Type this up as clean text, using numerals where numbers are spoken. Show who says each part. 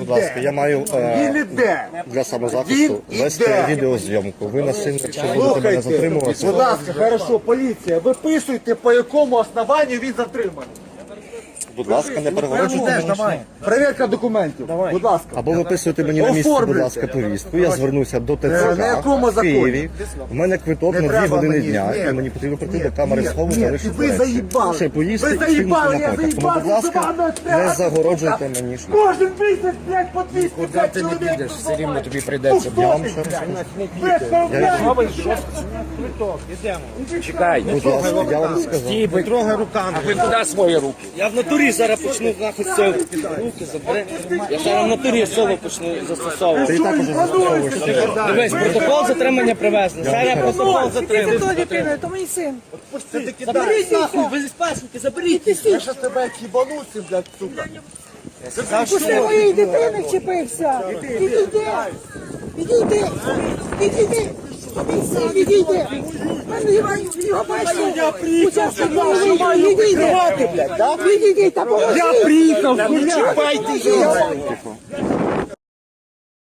Speaker 1: Будь ласка, я маю
Speaker 2: Він іде.
Speaker 1: для самозахисту
Speaker 2: Він
Speaker 1: вести
Speaker 2: іде.
Speaker 1: відеозйомку. Ви насильно, якщо будете мене затримувати,
Speaker 2: Будь ласка, хорошо, поліція, виписуйте, по якому основанню він затриманий.
Speaker 1: будь ласка, не перегороджуйте мені.
Speaker 2: Перевірка документів, будь ласка.
Speaker 1: Або виписуйте мені на місці, будь
Speaker 2: Оформлюйте.
Speaker 1: ласка, повістку. Я звернуся до
Speaker 2: На
Speaker 1: ТЦК
Speaker 2: якому
Speaker 1: в
Speaker 2: законі?
Speaker 1: Києві. У мене квиток
Speaker 2: Не
Speaker 1: на 2
Speaker 2: треба
Speaker 1: години
Speaker 2: мені,
Speaker 1: дня,
Speaker 2: ні.
Speaker 1: і мені потрібно прийти до камери
Speaker 2: Ні,
Speaker 1: схову,
Speaker 2: ні,
Speaker 1: залишити
Speaker 2: ви
Speaker 1: речі.
Speaker 2: заїбали.
Speaker 1: Ще поїсти
Speaker 2: Ви
Speaker 1: і встигнути
Speaker 2: заїбали,
Speaker 1: на
Speaker 2: я
Speaker 1: потяг. Тому, будь
Speaker 2: заїбався
Speaker 1: ласка,
Speaker 2: з вами,
Speaker 1: не
Speaker 2: треба.
Speaker 1: загороджуйте мені шлях.
Speaker 2: Кожен місяць, блядь, по 205
Speaker 3: Ти не
Speaker 2: чоловік.
Speaker 3: підеш, все рівно тобі прийдеться.
Speaker 1: Я вам ще раз
Speaker 3: Чекай,
Speaker 1: будь ласка, я вам сказав.
Speaker 3: стій, ви трогай руками. А ви куди свої руки?
Speaker 4: Я в натурі зараз почну нахуй це руки забери. Я зараз в натурі соло почну застосовувати.
Speaker 1: Ти також застосовуєш себе.
Speaker 4: Дивись, протокол затримання привезли. Зараз протокол затримання.
Speaker 5: Хто дитина? То мій син.
Speaker 4: Заберіть нахуй, ви зі спасники, заберіть.
Speaker 2: Я щас тебе кібануся, блядь, сука.
Speaker 5: Пусти моєї дитини вчепився. Відійди. Відійди. Відійди. Відійди. Його бачите? Учасник бойовий. Відійди. Відійди та поможи.
Speaker 2: Я приїхав, не чіпайте його.